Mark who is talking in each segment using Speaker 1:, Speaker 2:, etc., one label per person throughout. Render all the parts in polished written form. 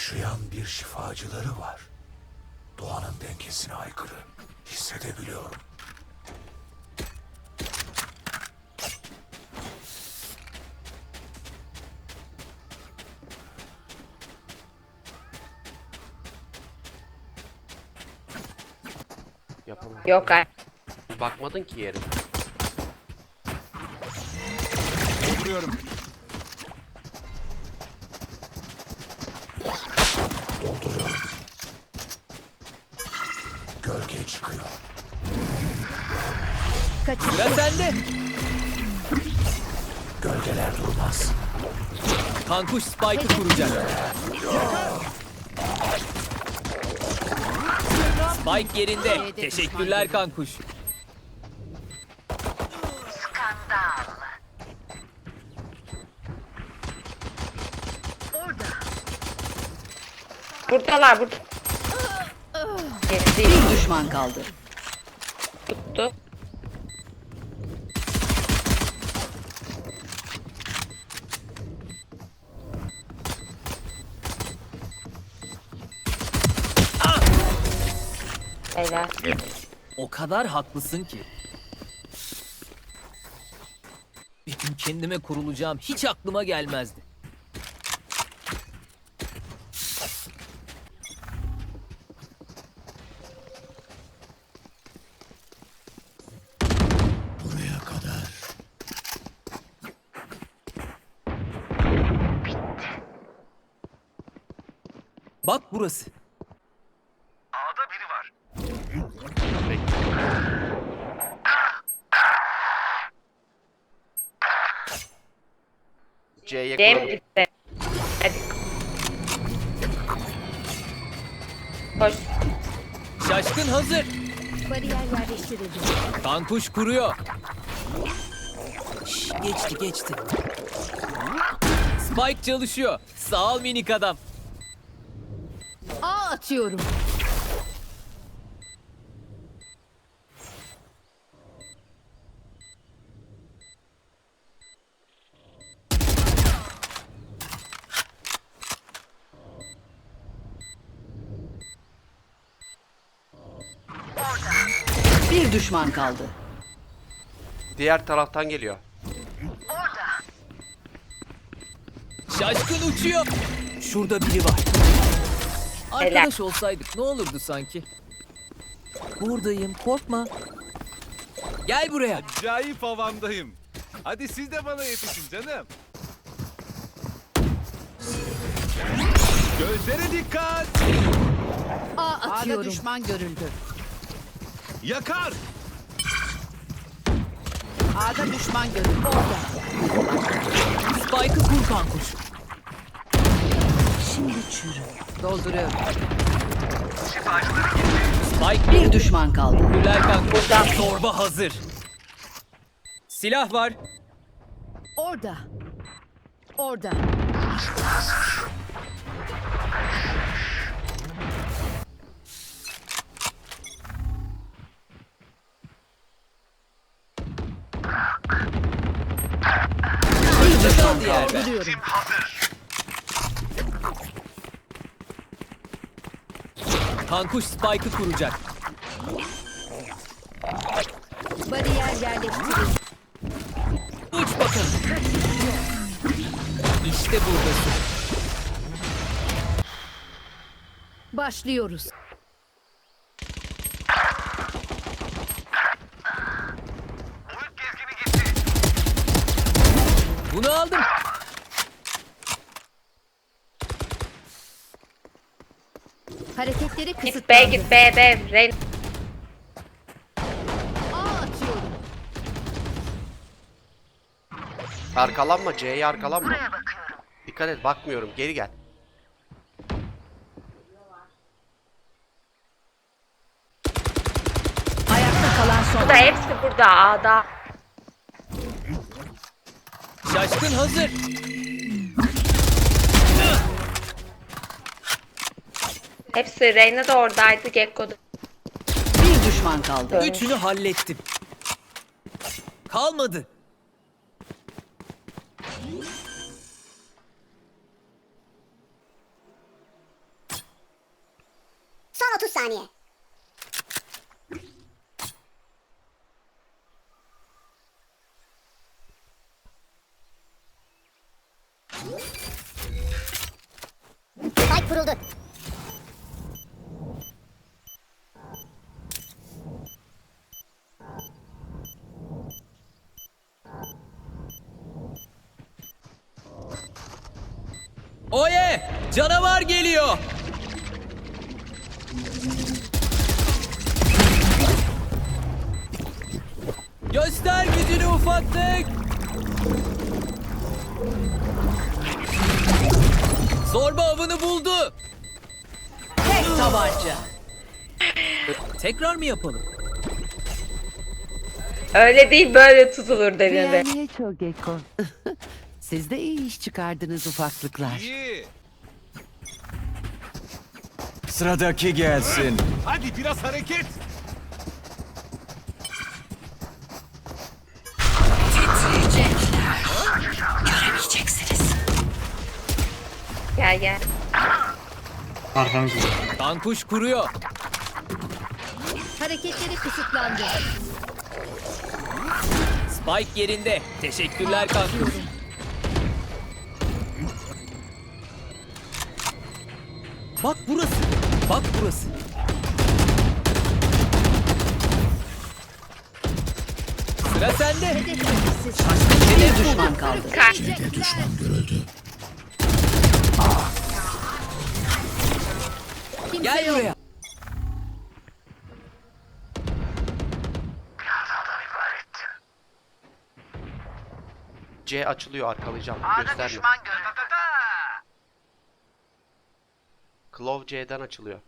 Speaker 1: Yaşayan bir şifacıları var. Doğanın dengesine aykırı. Hissedebiliyorum.
Speaker 2: Yapamam.
Speaker 3: Yok ay.
Speaker 2: Bakmadın ki yere.
Speaker 4: Dolduruyorum.
Speaker 1: Dolduruyorum. Gölge çıkıyor.
Speaker 5: Sıra sende.
Speaker 1: Gölgeler durmaz.
Speaker 5: Kankuş Spike'ı kuracak. Spike yerinde. Teşekkürler Kankuş.
Speaker 3: Buradalar burada.
Speaker 6: Bir düşman kaldı.
Speaker 3: Tuttu. Helal.
Speaker 5: O kadar haklısın ki. Bir gün kendime kurulacağım hiç aklıma gelmezdi.
Speaker 1: Buraya kadar.
Speaker 5: Bak burası.
Speaker 2: C'ye
Speaker 3: Cem
Speaker 2: kuralım.
Speaker 3: gitti. Hadi. Koş.
Speaker 5: Şaşkın hazır.
Speaker 6: Bariyer yerleştirildi.
Speaker 5: Kankuş kuruyor. Geçti. Spike çalışıyor. Sağ ol minik adam.
Speaker 6: A atıyorum. Bir düşman kaldı.
Speaker 2: Diğer taraftan geliyor.
Speaker 5: Şaşkın uçuyor. Şurada biri var. Arkadaş olsaydık ne olurdu sanki? Buradayım, korkma. Gel buraya.
Speaker 4: Acayip havamdayım. Hadi siz de bana yetişin canım. Gözlere dikkat.
Speaker 6: A atıyorum.
Speaker 7: A'da düşman görüldü.
Speaker 4: Yakar.
Speaker 7: A'da düşman görüldü.
Speaker 5: Spike'ı kur Kankuş.
Speaker 7: Dolduruyorum.
Speaker 5: Spike
Speaker 6: Bir düşman kaldı.
Speaker 5: Güler Kankuş. Torba hazır. Silah var.
Speaker 6: Orada. Orada. Bir düşman
Speaker 5: Diğer
Speaker 6: kaldı.
Speaker 5: be.
Speaker 6: Vuruyorum.
Speaker 5: Kankuş Spike'ı kuracak.
Speaker 6: Bariyer yerleştirildi.
Speaker 5: Uç bakalım. İşte buradasın.
Speaker 6: Başlıyoruz.
Speaker 5: Bunu aldım.
Speaker 6: Hareketleri
Speaker 3: Git
Speaker 6: kısıtlandı.
Speaker 3: B git B. Ren.
Speaker 6: A atıyorum.
Speaker 2: Arkalanma, C'ye arkalanma. Dikkat et, bakmıyorum. Geri gel.
Speaker 6: Ayakta kalan son.
Speaker 3: Burada hepsi burada A'da.
Speaker 5: Şaşkın hazır.
Speaker 3: Hepsi Reyna da oradaydı. Gekko'da.
Speaker 6: Bir düşman kaldı.
Speaker 5: Üçünü hallettim. Kalmadı.
Speaker 8: saniye. Spike kuruldu.
Speaker 5: Oye! Canavar geliyor. Göster gücünü ufaklık. Zorba avını buldu.
Speaker 6: Tek tabanca.
Speaker 5: Tekrar mı yapalım?
Speaker 3: Öyle değil böyle tutulur denildi.
Speaker 7: Beğenmeye çok Gekko. Siz de iyi iş çıkardınız ufaklıklar.
Speaker 4: İyi.
Speaker 9: Sıradaki gelsin.
Speaker 4: Hadi biraz hareket.
Speaker 3: Gel gel.
Speaker 5: Kankuş kuruyor.
Speaker 6: Hareketleri kısıtlandı.
Speaker 5: Spike yerinde. Teşekkürler kankuş. Bak burası. Bak burası. Sıra sende.
Speaker 6: Bir düşman kaldı.
Speaker 1: C'de düşman görüldü.
Speaker 5: Gel buraya.
Speaker 2: C açılıyor, arkalayacağım. Göstermiyor. Claw C'den açılıyor.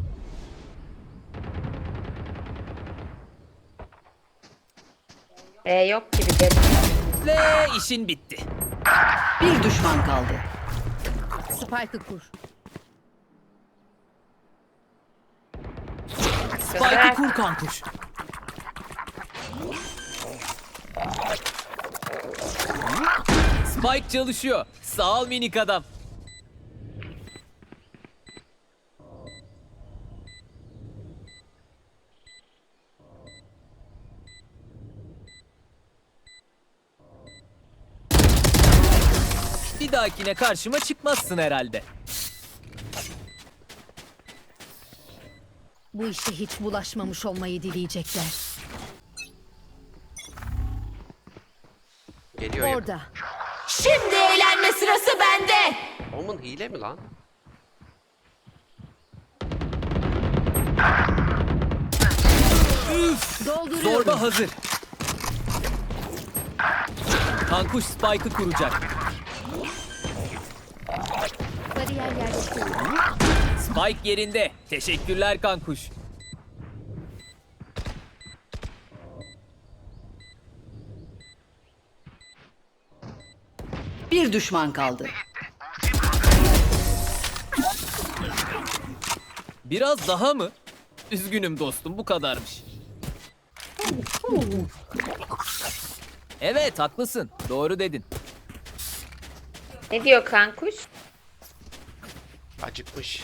Speaker 3: Yok gibi dedi.
Speaker 5: Ve işin bitti.
Speaker 6: Bir düşman kaldı. Spike'ı kur.
Speaker 5: Spike'ı kur kankuş. Spike çalışıyor. Sağ ol minik adam. Bir dahakine karşıma çıkmazsın herhalde.
Speaker 6: Bu işe hiç bulaşmamış olmayı dileyecekler.
Speaker 2: Geliyor yakın.
Speaker 6: Orada.
Speaker 3: Şimdi eğlenme sırası bende.
Speaker 2: Omun hile mi lan?
Speaker 6: Dolduruyorum.
Speaker 5: Zorba hazır. Kankuş Spike'ı kuracak.
Speaker 6: Bariyer yerleştirildi.
Speaker 5: Spike yerinde. Teşekkürler kankuş.
Speaker 6: Bir düşman kaldı.
Speaker 5: Biraz daha mı? Üzgünüm dostum, bu kadarmış. Evet, haklısın. Doğru dedin.
Speaker 3: Ne diyor kankuş?
Speaker 2: Acıkmış.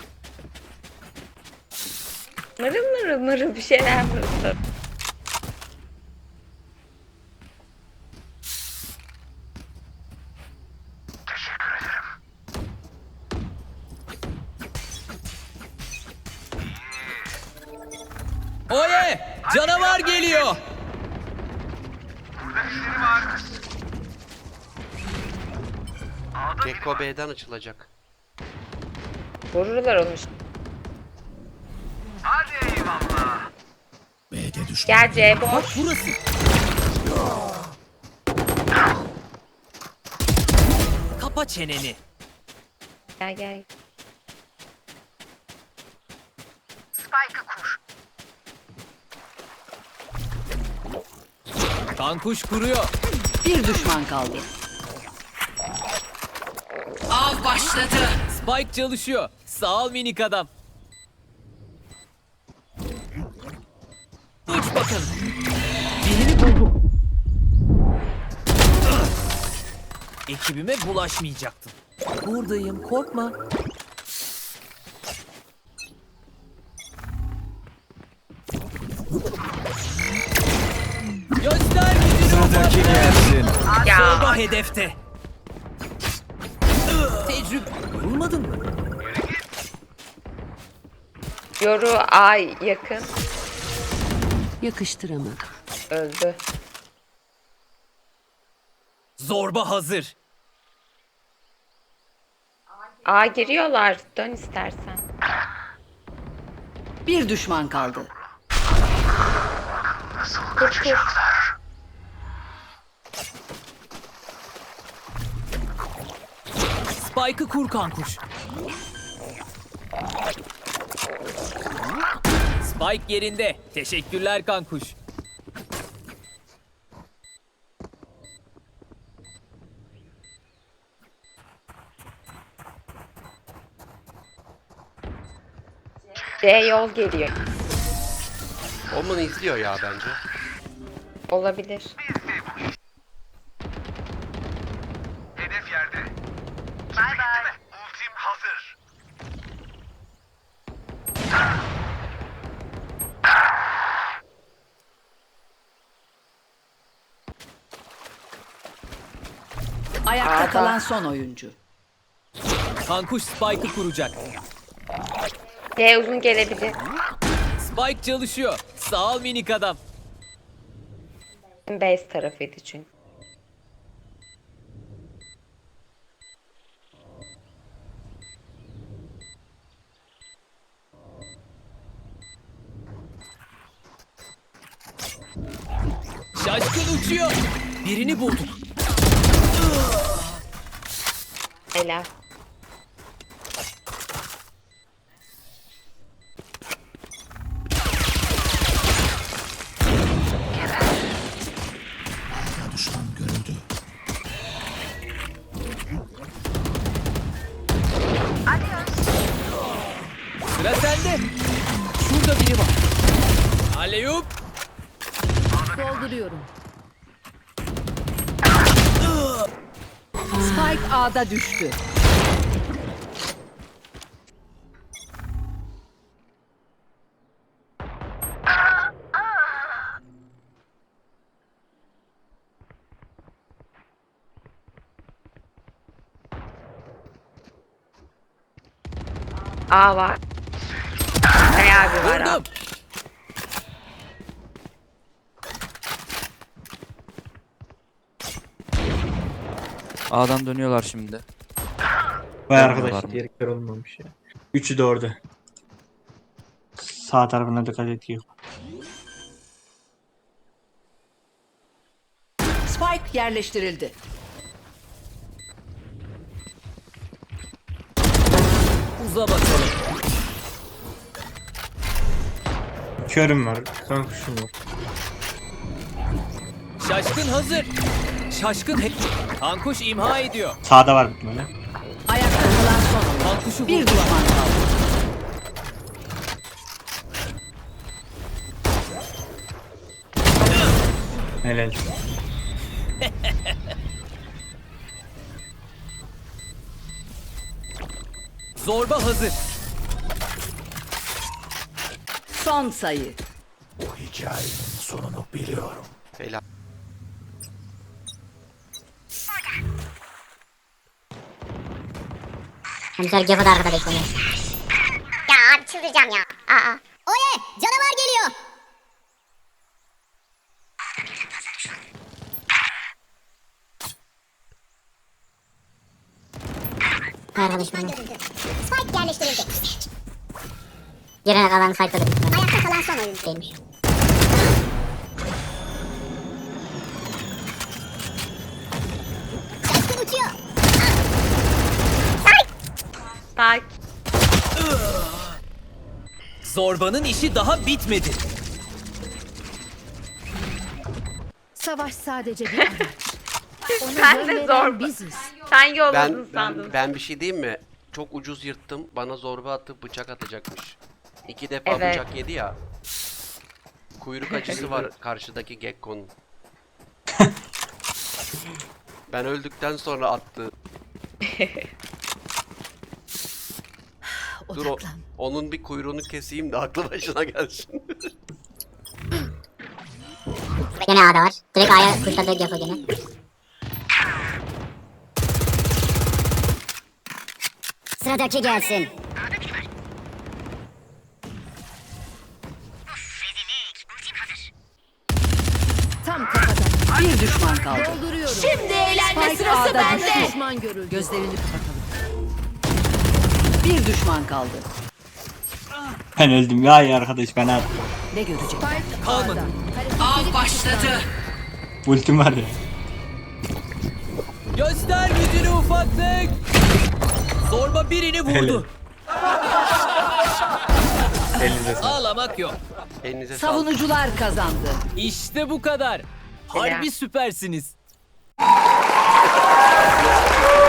Speaker 3: Mırıl mırıl mırıl bir şeyler mırıl.
Speaker 5: Oye! Canavar geliyor!
Speaker 2: Gekko B'den açılacak.
Speaker 3: Vururlar onu.
Speaker 1: B'de düşman.
Speaker 3: Gel C
Speaker 5: Bak
Speaker 3: boş.
Speaker 5: burası. Kapa çeneni.
Speaker 3: Gel gel.
Speaker 5: Kankuş kuruyor.
Speaker 6: Bir düşman kaldı.
Speaker 7: Av başladı.
Speaker 5: Spike çalışıyor. Sağ ol minik adam. Uç bakalım. Birini buldum. Ekibime bulaşmayacaktım. Buradayım, korkma. Bomba hedefte. Tecrübe. Vurmadın mı?
Speaker 3: Yoru A yakın.
Speaker 6: Yakıştıramadım.
Speaker 3: Öldü.
Speaker 5: Zorba hazır.
Speaker 3: A giriyorlar. Dön istersen.
Speaker 6: Bir düşman kaldı.
Speaker 3: Kur kur.
Speaker 5: Spike'ı kur kankuş. Spike yerinde. Teşekkürler kankuş.
Speaker 3: C yol geliyor.
Speaker 2: Omen izliyor ya bence.
Speaker 3: Olabilir.
Speaker 8: Hedef yerde. Bay bay. Ultim hazır.
Speaker 6: Ayakta
Speaker 3: A'da.
Speaker 6: kalan son oyuncu.
Speaker 5: Kankuş Spike'ı kuracak.
Speaker 3: C uzun gelebilir.
Speaker 5: Spike çalışıyor. Sağ ol minik adam.
Speaker 3: Base tarafıydı çünkü.
Speaker 5: Şaşkın uçuyor. Birini bulduk.
Speaker 3: Helal.
Speaker 1: A'da düşman görüldü.
Speaker 5: Sıra sende. Şurada biri var. Aleyup.
Speaker 6: Dolduruyorum. Spike A'da düştü.
Speaker 3: A var. B abi var. A.
Speaker 5: Vurdum.
Speaker 10: A'dan dönüyorlar şimdi.
Speaker 11: Vay
Speaker 10: Dönüyorlar
Speaker 11: arkadaş
Speaker 10: mı?
Speaker 11: diğer kör olmamış ya. Üçü de orada. Sağ tarafına dikkat ediyor.
Speaker 6: Spike yerleştirildi.
Speaker 5: Uza bakalım.
Speaker 11: Körüm var. Kankuşum var.
Speaker 5: Şaşkın hazır. Şaşkın hep. Kankuş imha ediyor.
Speaker 11: Sağda var bir tane.
Speaker 6: Ayakta kalan son oyuncu.
Speaker 5: Kankuşu
Speaker 6: Bir
Speaker 5: vurdu.
Speaker 6: düşman kaldı.
Speaker 11: Helal.
Speaker 5: Zorba hazır.
Speaker 6: Son sayı.
Speaker 1: Bu hikayenin sonunu biliyorum.
Speaker 2: Helal.
Speaker 12: Komiser Gefo da arkada bekleniyor. Ya abi çıldıracağım ya. Aa. Oye canavar geliyor. Arkadaş benim. Spike yerleştirildi. Geride kalan site'da da bitmedi. Ayakta kalan son oyun. Değilmiş. Şaşkın uçuyor.
Speaker 3: Bak.
Speaker 5: Zorbanın işi daha bitmedi.
Speaker 6: Savaş sadece bir araç.
Speaker 3: Sen de zorba.
Speaker 6: Biziz.
Speaker 3: Sen yolladın sandın.
Speaker 2: Ben bir şey diyeyim mi? Çok ucuz yırttım. Bana zorba atıp bıçak atacakmış. 2 defa
Speaker 3: Evet.
Speaker 2: bıçak yedi ya. Kuyruk acısı var karşıdaki Gekko'nun. Ben öldükten sonra attı. Dur onun bir kuyruğunu keseyim de aklı başına gelsin.
Speaker 12: Gene A'da var. Direkt A'ya kuşladı Gefo gene. Sıradaki gelsin.
Speaker 6: Tam kafadan.
Speaker 7: Bir düşman kaldı.
Speaker 6: Dolduruyorum.
Speaker 3: Şimdi eğlenme
Speaker 6: Spike
Speaker 3: sırası
Speaker 6: A'da
Speaker 3: bende.
Speaker 6: düştü. Düşman görüldü.
Speaker 7: Gözlerini kapatalım. Bir düşman kaldı.
Speaker 11: Ben öldüm ya arkadaş ben artık.
Speaker 7: Ne görecek?
Speaker 6: Spike
Speaker 5: Kalmadı.
Speaker 6: A'da.
Speaker 7: Av başladı.
Speaker 11: Ultim var ya.
Speaker 5: Göster gücünü ufaklık. Zorba birini vurdu.
Speaker 11: Elinize sağlık.
Speaker 5: Ağlamak yok.
Speaker 2: Elinize sağlık.
Speaker 6: Savunucular kazandı.
Speaker 5: İşte bu kadar. Harbi süpersiniz.